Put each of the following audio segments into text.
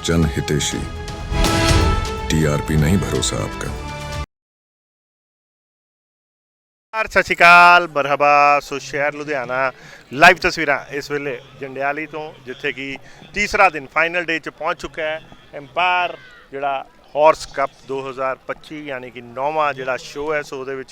जन हितेशी। टीआरपी नहीं भरोसा आपका। ਸਤਿ ਸ਼੍ਰੀ ਅਕਾਲ, ਮਰਹਬਾ। ਸੋ ਸ਼ਹਿਰ ਲੁਧਿਆਣਾ ਲਾਈਵ ਤਸਵੀਰਾਂ ਇਸ ਵੇਲੇ ਜੰਡਿਆਲੀ ਤੋਂ, ਜਿੱਥੇ ਕਿ ਤੀਸਰਾ ਦਿਨ ਫਾਈਨਲ ਡੇ 'ਚ ਪਹੁੰਚ ਚੁੱਕਾ ਹੈ। ਐਮਪਾਇਰ ਜਿਹੜਾ ਹਾਰਸ ਕੱਪ 2025 ਯਾਨੀ ਕਿ 9ਵਾਂ ਜਿਹੜਾ ਸ਼ੋਅ ਹੈ, ਸੋ ਉਹਦੇ ਵਿੱਚ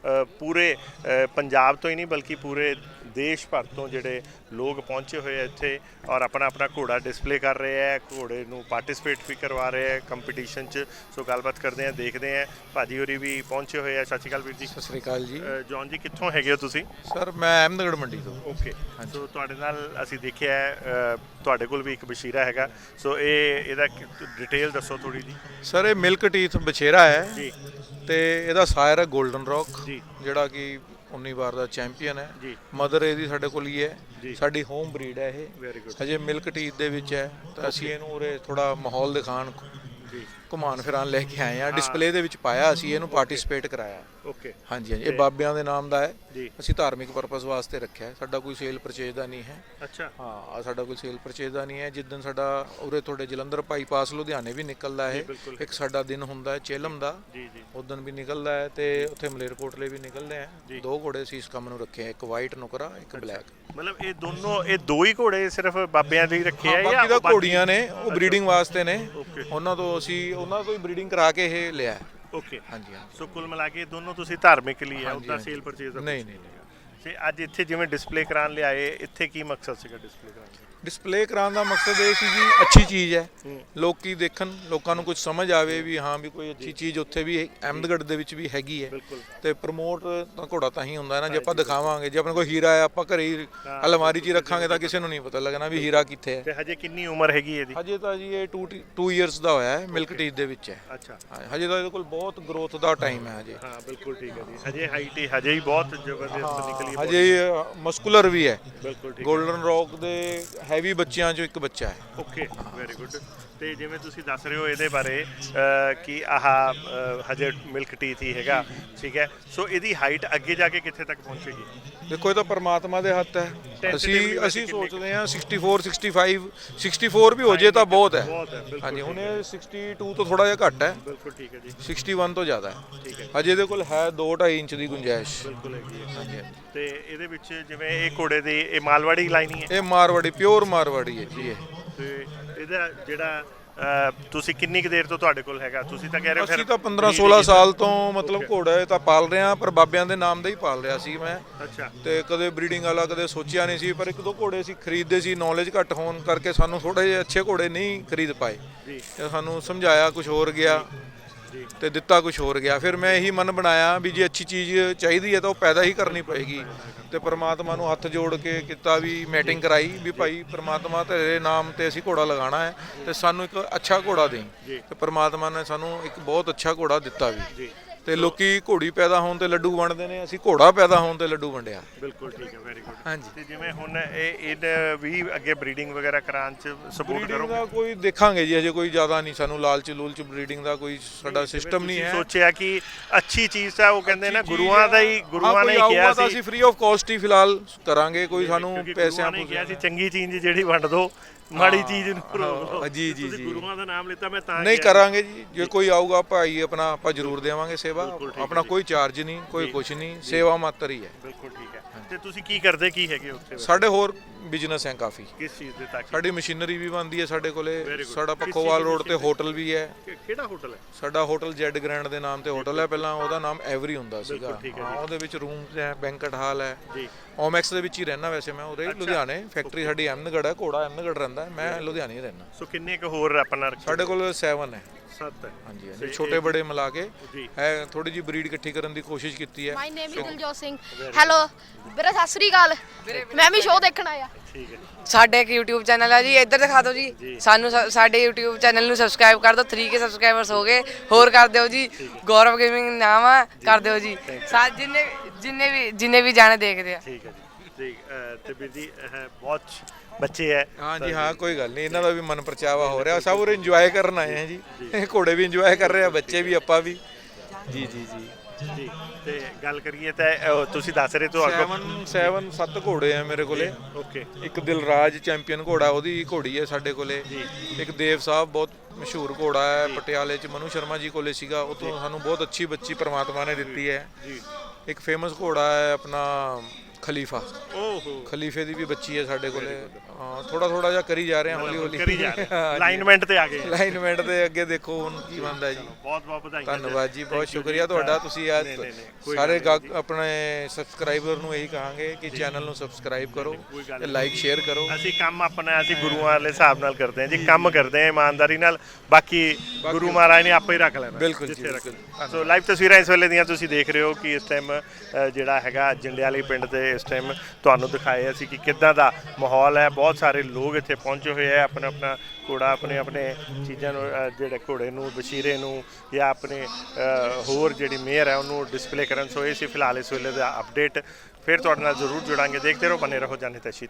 ਪੂਰੇ ਪੰਜਾਬ ਤੋਂ ਹੀ ਨਹੀਂ ਬਲਕਿ ਪੂਰੇ ਦੇਸ਼ ਭਰ ਤੋਂ ਜਿਹੜੇ ਲੋਕ ਪਹੁੰਚੇ ਹੋਏ ਆ ਇੱਥੇ ਔਰ ਆਪਣਾ ਆਪਣਾ ਘੋੜਾ ਡਿਸਪਲੇ ਕਰ ਰਹੇ ਹੈ, ਘੋੜੇ ਨੂੰ ਪਾਰਟਿਸਿਪੇਟ ਵੀ ਕਰਵਾ ਰਹੇ ਹੈ ਕੰਪੀਟੀਸ਼ਨ 'ਚ। ਸੋ ਗੱਲਬਾਤ ਕਰਦੇ ਹਾਂ, ਦੇਖਦੇ ਹਾਂ। ਭਾਜੀ ਹੋਰੀ ਵੀ ਪਹੁੰਚੇ ਹੋਏ ਆ। ਸਤਿ ਸ਼੍ਰੀ ਅਕਾਲ ਵੀਰ ਜੀ। ਸਤਿ ਸ਼੍ਰੀ ਅਕਾਲ ਜੀ। ਜੌਨ ਜੀ, ਕਿੱਥੋਂ ਹੈਗੇ ਹੋ ਤੁਸੀਂ? ਸਰ ਮੈਂ ਅਹਿਮਦਗੜ੍ਹ ਮੰਡੀ ਤੋਂ। ਓਕੇ, ਸੋ ਤੁਹਾਡੇ ਨਾਲ ਅਸੀਂ ਦੇਖਿਆ ਹੈ ਤੁਹਾਡੇ ਕੋਲ ਵੀ ਇੱਕ ਬਸ਼ੀਰਾ ਹੈਗਾ, ਸੋ ਇਹਦਾ ਡਿਟੇਲ ਦੱਸੋ ਥੋੜੀ ਜੀ। ਸਰ ਇਹ ਮਿਲਕ ਟੀਥ ਬਛੇਰਾ ਹੈ ਜੀ ਤੇ ਇਹਦਾ ਸਾਇਰ ਹੈ 골ਡਨ ਰੌਕ, ਜੀ ਜਿਹੜਾ ਕਿ 19 ਵਾਰ ਦਾ ਚੈਂਪੀਅਨ ਹੈ। ਜੀ ਮਦਰ ਇਹਦੀ ਸਾਡੇ ਕੋਲ ਹੀ ਹੈ, ਜੀ। ਸਾਡੀ ਹੋਮ ਬਰੀਡ ਹੈ ਇਹ। ਵੈਰੀ ਗੁੱਡ ਹਜੇ ਮਿਲਕ ਟੀਥ ਦੇ ਵਿੱਚ ਹੈ ਤਾਂ ਅਸੀਂ ਇਹਨੂੰ ਉਰੇ ਥੋੜਾ ਮਾਹੌਲ ਦਿਖਾਣ ਜੀ। ਘੁਮਾਣ ਫਿਰਾਣ ਲੈ ਕੇ ਆਏ ਆ। ਡਿਸਪਲੇ ਦੇ ਵਿੱਚ ਪਾਇਆ, ਅਸੀਂ ਇਹਨੂੰ ਪਾਰਟਿਸਿਪੇਟ ਕਰਾਇਆ। ਓਕੇ ਹਾਂਜੀ ਹਾਂਜੀ, ਇਹ ਬਾਬਿਆਂ ਦੇ ਨਾਮ ਦਾ ਹੈ। ਜੀ। ਅਸੀਂ ਧਾਰਮਿਕ ਪਰਪਸ ਵਾਸਤੇ ਰੱਖਿਆ ਹੈ, ਸਾਡਾ ਕੋਈ ਸੇਲ ਪਰਚੇਜ ਦਾ ਨਹੀਂ ਹੈ। ਅੱਛਾ ਹਾਂ, ਸਾਡਾ ਕੋਈ ਸੇਲ ਪਰਚੇਜ ਦਾ ਨਹੀਂ ਹੈ। ਜਿੱਦਣ ਸਾਡਾ ਉਰੇ ਤੁਹਾਡੇ ਜਲੰਧਰ ਬਾਈਪਾਸ ਲੁਧਿਆਣੇ ਵੀ ਨਿਕਲਦਾ ਹੈ, ਬਿਲਕੁਲ। ਇੱਕ ਸਾਡਾ ਦਿਨ ਹੁੰਦਾ ਹੈ ਚੇਲਮ ਦਾ, ਜੀ ਜੀ ਉਦੋਂ ਵੀ ਨਿਕਲਦਾ ਹੈ ਤੇ ਉੱਥੇ ਮਲੇਰਕੋਟਲੇ ਵੀ ਨਿਕਲਦੇ ਆ। ਦੋ ਘੋੜੇ ਅਸੀਂ ਇਸ ਕੰਮ ਨੂੰ ਰੱਖੇ ਆ, ਇੱਕ ਵਾਈਟ ਨੁਕਰਾ, ਇੱਕ ਬਲੈਕ। ਮਤਲਬ ਇਹ ਦੋ ਹੀ ਘੋੜੇ ਸਿਰਫ ਬਾਬਿਆਂ ਦੇ ਹੀ ਰੱਖੇ ਆ ਬਾਕੀ ਦਾ ਬਾਕੀ- ਘੋੜੀਆਂ ਨੇ, ਉਹ ਬਰੀਡਿੰਗ ਵਾਸਤੇ ਨੇ। ਓਕੇ ਉਹਨਾਂ ਤੋਂ ਹੀ ਬਰੀਡਿੰਗ ਕਰਾ ਕੇ ਇਹ ਲਿਆ। ਓਕੇ, ਹਾਂਜੀ ਹਾਂਜੀ। ਸੋ ਕੁੱਲ ਮਿਲਾ ਕੇ ਦੋਨੋਂ ਤੁਸੀਂ ਧਾਰਮਿਕ ਲਈ ਹੈ, ਉਹਦਾ ਹਾਂਜੀ। ਸੇਲ ਪਰਚੇਜ਼ ਦਾ ਨਹੀਂ ਨਹੀਂ ਨਹੀਂ, ਤੇ ਅੱਜ ਇੱਥੇ ਜਿਵੇਂ ਡਿਸਪਲੇ ਕਰਾਉਣ ਲਿਆਏ, ਇੱਥੇ ਕੀ ਮਕਸਦ ਸੀਗਾ ਡਿਸਪਲੇ ਕਰਾਉਣ ਦਾ? ਡਿਸਪਲੇ ਕਰਾਉਣ ਦਾ ਮਕਸਦ ਇਹ ਸੀ ਜੀ, ਅੱਛੀ ਚੀਜ਼ ਹੈ, ਲੋਕੀ ਦੇਖਣ, ਲੋਕਾਂ ਨੂੰ ਕੁਝ ਸਮਝ ਆਵੇ ਵੀ ਹਾਂ ਵੀ ਕੋਈ ਅੱਛੀ ਚੀਜ਼ ਉੱਥੇ ਵੀ ਅਹਿਮਦਗੜ੍ਹ ਦੇ ਵਿੱਚ ਵੀ ਹੈਗੀ ਹੈ। ਬਿਲਕੁਲ ਤੇ ਪ੍ਰਮੋਟ ਤਾਂ ਘੋੜਾ ਤਾਂ ਹੀ ਹੁੰਦਾ ਹੈ ਨਾ, ਜੇ ਆਪਾਂ ਦਿਖਾਵਾਂਗੇ। ਜੇ ਆਪਣੇ ਕੋਲ ਹੀਰਾ ਹੈ, ਆਪਾਂ ਘਰੇ ਹੀ ਅਲਮਾਰੀ 'ਚ ਹੀ ਰੱਖਾਂਗੇ ਤਾਂ ਕਿਸੇ ਨੂੰ ਨਹੀਂ ਪਤਾ ਲੱਗਣਾ ਵੀ ਹੀਰਾ ਕਿੱਥੇ ਹੈ। ਤੇ ਹਜੇ ਕਿੰਨੀ ਉਮਰ ਹੈਗੀ ਇਹਦੀ? ਹਜੇ ਤਾਂ ਜੀ ਇਹ 2 ਇਅਰਸ ਦਾ ਹੋਇਆ ਹੈ, ਮਿਲਕ ਟੀਥ ਦੇ ਵਿੱਚ ਹੈ। ਅੱਛਾ, ਹਜੇ ਤਾਂ ਇਹਦੇ ਕੋਲ ਬਹੁਤ ਗਰੋਥ ਦਾ ਟਾਈਮ ਹੈ ਹਜੇ। ਹਾਂ ਬਿਲਕੁਲ ਠੀਕ ਹੈ ਜੀ। ਹਜੇ ਹਾਈਟ ਹੀ ਹਜੇ ਹੀ ਬਹੁਤ ਜ਼ਬਰਦਸਤ ਨਿਕਲੀ ਹੈ। ਹਜੇ ਮਸਕੂਲਰ ਵੀ ਹੈ। ਬਿਲਕੁਲ ਠੀਕ। 골ਡਨ ਰੌਕ ਦੇ ਹੈਵੀ ਬੱਚਿਆਂ 'ਚੋਂ ਇੱਕ ਬੱਚਾ ਹੈ। Okay, very good. ਤੇ ਜਿਵੇਂ ਤੁਸੀਂ ਦੱਸ ਰਹੇ ਹੋ ਇਹਦੇ ਬਾਰੇ ਕਿ ਆਹ ਹਜੇ ਮਿਲਕ ਟੀਥ ਹੀ ਹੈਗਾ, ਠੀਕ ਹੈ। ਸੋ ਇਹਦੀ ਹਾਈਟ ਅੱਗੇ ਜਾ ਕੇ ਕਿੱਥੇ ਤੱਕ ਪਹੁੰਚੇਗੀ? ਦੇਖੋ ਇਹ ਤਾਂ ਪਰਮਾਤਮਾ ਦੇ ਹੱਥ ਹੈ। Tentatively ਅਸੀਂ ਸੋਚਦੇ ਹਾਂ 64 65 64 ਵੀ ਹੋ ਜੇ ਤਾਂ ਬਹੁਤ ਹੈ। ਬਹੁਤ ਹੈ, ਬਿਲਕੁਲ ਹਾਂਜੀ, ਹੁਣ ਇਹ 62 ਤੋਂ ਥੋੜਾ ਜਿਹਾ ਘੱਟ ਹੈ, ਬਿਲਕੁਲ ਠੀਕ ਹੈ ਜੀ। 61 ਤੋਂ ਜ਼ਿਆਦਾ ਹੈ। ਠੀਕ ਹੈ, ਹਜੇ ਇਹਦੇ ਕੋਲ ਹੈ 2-2.5 ਇੰਚ ਦੀ ਗੁੰਜਾਇਸ਼। ਬਿਲਕੁਲ ਹੈਗੀ ਹੈ। ਹਾਂਜੀ ਹਾਂਜੀ। ਤੇ ਇਹਦੇ ਵਿੱਚ ਜਿਵੇਂ ਇਹ ਘੋੜੇ ਦੀ ਇਹ ਮਾਲਵਾੜੀ ਲਾਈਨ ਹੀ ਹੈ, ਇਹ ਮਾਰਵਾੜੀ, ਪਿਓਰ ਮਾਰਵਾੜੀ ਹੈ ਜੀ ਇਹ। ਤੇ ਇਹਦਾ ਜਿਹੜਾ ਤੁਸੀਂ ਕਿੰਨੀ ਕੁ ਦੇਰ ਤੋਂ ਤੁਹਾਡੇ ਕੋਲ ਹੈਗਾ? ਤੁਸੀਂ ਤਾਂ ਕਹਿ ਰਹੇ ਹੋ ਅਸੀਂ ਤਾਂ 15-16 ਸਾਲ ਤੋਂ ਮਤਲਬ ਘੋੜਾ ਇਹ ਤਾਂ ਪਾਲ ਰਹੇ ਹਾਂ, ਪਰ ਬਾਬਿਆਂ ਦੇ ਨਾਮ ਦਾ ਹੀ ਪਾਲ ਰਿਹਾ ਸੀ ਮੈਂ। ਅੱਛਾ ਤੇ ਕਦੇ ਬਰੀਡਿੰਗ ਵਾਲਾ ਕਦੇ ਸੋਚਿਆ ਨਹੀਂ ਸੀ, ਪਰ ਇੱਕ ਦੋ ਘੋੜੇ ਅਸੀਂ ਖਰੀਦਦੇ ਸੀ, ਨੌਲੇਜ ਘੱਟ ਹੋਣ ਕਰਕੇ ਸਾਨੂੰ ਥੋੜੇ ਜਿਹੇ ਅੱਛੇ ਘੋੜੇ ਨਹੀਂ ਖਰੀਦ ਪਾਏ। ਜੀ ਤੇ ਸਾਨੂੰ ਸਮਝਾਇਆ ਕੁਝ ਹੋਰ ਗਿਆ ਜੀ ਤੇ ਦਿੱਤਾ ਕੁਝ ਹੋਰ ਗਿਆ। ਫਿਰ ਮੈਂ ਇਹੀ ਮਨ ਬਣਾਇਆ ਵੀ ਜੇ ਅੱਛੀ ਚੀਜ਼ ਚਾਹੀਦੀ ਹੈ ਤਾਂ ਉਹ ਪੈਦਾ ਹੀ ਕਰਨੀ ਪਏਗੀ। ਤੇ ਪ੍ਰਮਾਤਮਾ ਨੂੰ ਹੱਥ ਜੋੜ ਕੇ ਕੀਤਾ, ਵੀ ਮੈਟਿੰਗ ਕਰਾਈ ਵੀ ਭਾਈ ਪ੍ਰਮਾਤਮਾ ਤੇਰੇ ਨਾਮ ਤੇ ਅਸੀਂ ਘੋੜਾ ਲਗਾਉਣਾ ਹੈ ਤੇ ਸਾਨੂੰ ਇੱਕ ਅੱਛਾ ਘੋੜਾ ਦੇਈ। ਤੇ ਪ੍ਰਮਾਤਮਾ ਨੇ ਸਾਨੂੰ ਇੱਕ ਬਹੁਤ ਅੱਛਾ ਘੋੜਾ ਦਿੱਤਾ ਵੀ। ਜੀ ਤੇ ਲੋਕੀ ਘੋੜੀ ਪੈਦਾ ਹੋਣ ਤੇ ਲੱਡੂ ਵੰਡਦੇ ਨੇ, ਅਸੀਂ ਘੋੜਾ ਪੈਦਾ ਹੋਣ ਤੇ ਲੱਡੂ ਵੰਡਿਆ। ਬਿਲਕੁਲ ਠੀਕ ਹੈ, ਵੈਰੀ ਗੁੱਡ। ਹਾਂਜੀ। ਤੇ ਜਿਵੇਂ ਹੁਣ ਇਹ ਵੀ ਅੱਗੇ ਬਰੀਡਿੰਗ ਵਗੈਰਾ ਕਰਾਉਣ ਚ ਸਪੋਰਟ ਬਰੀਡਿੰਗ ਕਰੋਗੇ? ਦਾ ਕੋਈ ਦੇਖਾਂਗੇ ਜੀ, ਅਜੇ ਕੋਈ ਜ਼ਿਆਦਾ ਨਹੀਂ, ਸਾਨੂੰ ਲਾਲਚ ਲੂਲਚ ਬਰੀਡਿੰਗ ਦਾ ਕੋਈ ਸਾਡਾ ਸਿਸਟਮ ਨਹੀਂ ਹੈ। ਸੋਚਿਆ ਕਿ ਅੱਛੀ ਚੀਜ਼ ਹੈ, ਉਹ ਕਹਿੰਦੇ ਨਾ ਗੁਰੂਆਂ ਨੇ ਹੀ ਕਿਹਾ ਸੀ ਅਸੀਂ ਫ੍ਰੀ ਆਫ ਕਾਸਟ ਹੀ ਫਿਲਹਾਲ ਕਰਾਂਗੇ, ਕੋਈ ਸਾਨੂੰ ਪੈਸਿਆਂ ਨੇ ਕਿਹਾ ਸੀ ਚੰਗੀ ਚੀਜ਼ ਜਿਹੜੀ ਵੰਡ ਦੋ, ਮਾੜੀ ਚੀਜ਼ ਨੂੰ ਰੋਕ ਲਓ। ਜੀ ਜੀ ਤੁਸੀਂ ਜੀ ਗੁਰੂਆਂ ਦਾ ਨਾਮ ਲਿੱਤਾ, ਮੈਂ ਤਾਂ ਨਹੀਂ ਕਿਹਾ। ਕਰਾਂਗੇ ਜੀ, ਜੇ ਕੋਈ ਆਊਗਾ ਭਾਈ ਆਪਣਾ, ਆਪਾਂ ਜ਼ਰੂਰ ਦੇਵਾਂਗੇ ਸੇਵਾ। ਆਪਣਾ ਕੋਈ ਚਾਰਜ ਨਹੀਂ, ਕੋਈ ਕੁਝ ਨਹੀਂ, ਸੇਵਾ ਮਾਤਰ ਹੀ ਹੈ। ਬਿਲਕੁਲ ਠੀਕ ਹੈ। ਤੇ ਤੁਸੀਂ ਕੀ ਕਰਦੇ ਕੀ ਹੈਗੇ ਉੱਥੇ? ਸਾਡੇ ਹੋਰ ਬਿਜ਼ਨਸ ਹੈ ਕਾਫੀ। ਕਿਸ ਚੀਜ਼ ਦੇ ਤੱਕ? ਸਾਡੀ ਮਸ਼ੀਨਰੀ ਵੀ ਬਣਦੀ ਹੈ ਸਾਡੇ ਕੋਲੇ। Very good। ਸਾਡਾ ਕਿਸ ਪੱਖੋਵਾਲ ਚੀਜ਼ ਦੀ ਰੋਡ ਤੇ ਹੋਟਲ ਵੀ ਹੈ। ਕਿਹੜਾ ਹੋਟਲ ਹੈ? ਸਾਡਾ ਹੋਟਲ ਜੈਡ ਗ੍ਰੈਂਡ ਦੇ ਨਾਮ ਤੇ ਹੋਟਲ ਹੈ, ਪਹਿਲਾਂ ਉਹਦਾ ਨਾਮ ਐਵਰੀ ਹੁੰਦਾ ਸੀਗਾ। ਠੀਕ ਹੈ ਹਾਂ, ਉਹਦੇ ਵਿੱਚ ਰੂਮਸ ਹੈ, ਬੈਂਕਟ ਹਾਲ ਹੈ। ਜੀ ਓਮੈਕਸ ਦੇ ਵਿੱਚ ਹੀ ਰਹਿਣਾ ਵੈਸੇ ਮੈਂ, ਉਰੇ ਲੁਧਿਆਣੇ। ਫੈਕਟਰੀ ਸਾਡੀ ਅਹਿਮਦਗੜ੍ਹ ਹੈ, ਘੋੜਾ ਅਹਿਮਦਗੜ੍ਹ ਰਹਿੰਦਾ, ਮੈਂ ਲੁਧਿਆਣੇ ਹੀ ਰਹਿਣਾ। ਸੋ ਕਿੰਨੇ ਕੁ ਹੋਰ ਆਪਣਾ ਰੱਖਿਆ? ਸਾਡੇ ਕੋਲ 7 ਹੈ। 7 ਹੈ। ਹਾਂਜੀ ਹਾਂਜੀ, ਛੋਟੇ ਬੜੇ ਮਿਲਾ ਕੇ ਜੀ ਹੈ। ਥੋੜੀ ਜਿਹੀ ਬਰੀਡ ਇਕੱਠੀ ਕਰਨ ਦੀ ਕੋਸ਼ਿਸ਼ ਕੀਤੀ ਹੈ। My name is Diljot Singh. Hello ਵੀਰੇ, ਸਤਿ ਸ੍ਰੀ ਅਕਾਲ। ਮੈਂ ਵੀ ਸ਼ੋਅ ਦੇਖਣ ਆਇਆ। ਠੀਕ ਹੈ। ਸਾਡੇ ਇੱਕ YouTube ਚੈਨਲ ਹੈ ਜੀ, ਇੱਧਰ ਦਿਖਾ ਦਿਓ ਜੀ। ਸਾਨੂੰ ਸਾਡੇ YouTube ਚੈਨਲ ਨੂੰ ਸਬਸਕ੍ਰਾਈਬ ਕਰ ਦਿਓ। 3K ਸਬਸਕ੍ਰਾਈਬਰਸ ਹੋ ਗਏ, ਹੋਰ ਕਰ ਦਿਓ ਜੀ। ਗੌਰਵ ਗੇਮਿੰਗ ਨਾਮ ਆ, ਕਰ ਦਿਓ ਜੀ। ਜਿੰਨੇ ਵੀ ਜਾਣੇ ਦੇਖਦੇ ਆ। ਠੀਕ ਹੈ ਜੀ। ਠੀਕ ਤੇ ਵੀਰ ਜੀ ਬਹੁਤ ਬੱਚੇ ਹੈ। ਹਾਂਜੀ ਹਾਂ, ਕੋਈ ਗੱਲ ਨਹੀਂ, ਇਹਨਾਂ ਦਾ ਵੀ ਮਨ ਪਰਚਾਵਾ ਹੋ ਰਿਹਾ, ਸਭ ਉਰੇ ਇੰਜੋਏ ਕਰਨ ਆਏ ਆ ਜੀ। ਘੋੜੇ ਵੀ ਇੰਜੋਏ ਕਰ ਰਹੇ ਆ, ਬੱਚੇ ਵੀ, ਆਪਾਂ ਵੀ। ਜੀ ਜੀ ਜੀ ਜੀ। ਤੇ ਗੱਲ ਕਰੀਏ ਤਾਂ ਤੁਸੀਂ ਦੱਸ ਰਹੇ ਤੋਂ ਅੱਗੋਂ 7 ਘੋੜੇ ਆ ਮੇਰੇ ਕੋਲੇ। ਓਕੇ ਇੱਕ ਦਿਲਰਾਜ ਚੈਂਪੀਅਨ ਘੋੜਾ, ਉਹਦੀ ਘੋੜੀ ਹੈ ਸਾਡੇ ਕੋਲੇ। ਇੱਕ ਦੇਵ ਸਾਹਿਬ ਬਹੁਤ ਮਸ਼ਹੂਰ ਘੋੜਾ ਹੈ, ਪਟਿਆਲੇ 'ਚ ਮਨੂ ਸ਼ਰਮਾ ਜੀ ਕੋਲੇ ਸੀਗਾ, ਉਹ ਤੋਂ ਸਾਨੂੰ ਬਹੁਤ ਅੱਛੀ ਬੱਚੀ ਪ੍ਰਮਾਤਮਾ ਨੇ ਦਿੱਤੀ ਹੈ। ਇੱਕ ਫੇਮਸ ਘੋੜਾ ਹੈ ਆਪਣਾ ਖਲੀਫਾ, ਖਲੀਫੇ ਦੀ ਵੀ ਬੱਚੀ ਹੈ ਸਾਡੇ ਕੋਲੇ। ਹਾਂ, ਥੋੜਾ ਜਿਹਾ ਕਰੀ ਜਾ ਰਹੇ ਹਾਂ, ਹੌਲੀ ਹੌਲੀ ਕਰੀ ਜਾ ਰਹੇ ਲਾਈਨਮੈਂਟ ਤੇ ਆ ਗਏ। ਲਾਈਨਮੈਂਟ ਦੇ ਅੱਗੇ ਦੇਖੋ ਹੁਣ ਕੀ ਬਣਦਾ ਜੀ। ਬਹੁਤ ਬਹੁਤ ਵਧਾਈਆਂ। ਧੰਨਵਾਦ ਜੀ, ਬਹੁਤ ਸ਼ੁਕਰੀਆ ਤੁਹਾਡਾ। ਤੁਸੀਂ ਅੱਜ ਸਾਰੇ ਆਪਣੇ ਸਬਸਕ੍ਰਾਈਬਰ ਨੂੰ ਇਹੀ ਕਹਾਂਗੇ ਕਿ ਚੈਨਲ ਨੂੰ ਸਬਸਕ੍ਰਾਈਬ ਕਰੋ ਤੇ ਲਾਈਕ ਸ਼ੇਅਰ ਕਰੋ। ਅਸੀਂ ਕੰਮ ਆਪਣਾ ਅਸੀਂ ਗੁਰੂਆਂ ਵਾਲੇ ਹਿਸਾਬ ਨਾਲ ਕਰਦੇ ਹਾਂ ਜੀ, ਕੰਮ ਕਰਦੇ ਹਾਂ ਇਮਾਨਦਾਰੀ ਨਾਲ, ਬਾਕੀ ਗੁਰੂ ਮਹਾਰਾਜ ਨੇ ਆਪੇ ਹੀ ਰੱਖ ਲੈਣਾ। ਬਿਲਕੁਲ ਜੀ, ਬਿਲਕੁਲ। ਸੋ ਲਾਈਵ ਤਸਵੀਰਾਂ ਇਸ ਵੇਲੇ ਦੀਆਂ ਤੁਸੀਂ ਦੇਖ ਰਹੇ ਹੋ ਕਿ ਇਸ ਟਾਈਮ ਜਿਹੜਾ ਹੈਗਾ ਜੰਡਿਆਲੀ ਪਿੰਡ ਤੇ ਇਸ ਟਾਈਮ ਤੁਹਾਨੂੰ ਦਿਖਾਏ ਅਸੀਂ ਕਿ ਕਿੱਦਾਂ ਦਾ ਮਾਹੌਲ ਹੈ। ਬਹੁਤ ਸਾਰੇ ਲੋਕ ਇੱਥੇ ਪਹੁੰਚੇ ਹੋਏ ਆ, ਆਪਣਾ ਘੋੜਾ ਆਪਣੇ ਚੀਜ਼ਾਂ ਨੂੰ ਜਿਹੜੇ ਘੋੜੇ ਨੂੰ ਵਸ਼ੀਰੇ ਨੂੰ ਜਾਂ ਆਪਣੇ ਹੋਰ ਜਿਹੜੀ ਮੇਅਰ ਹੈ ਉਹਨੂੰ ਡਿਸਪਲੇ ਕਰਨ। ਸੋ ਇਹ ਸੀ ਫਿਲਹਾਲ ਇਸ ਵੇਲੇ ਦਾ ਅਪਡੇਟ। ਫਿਰ ਤੁਹਾਡੇ ਨਾਲ ਜ਼ਰੂਰ ਜੁੜਾਂਗੇ। ਦੇਖਦੇ ਰਹੋ, ਬਨੇ ਰਹੋ ਜਾਨੇ ਤਸ਼ੀਦ।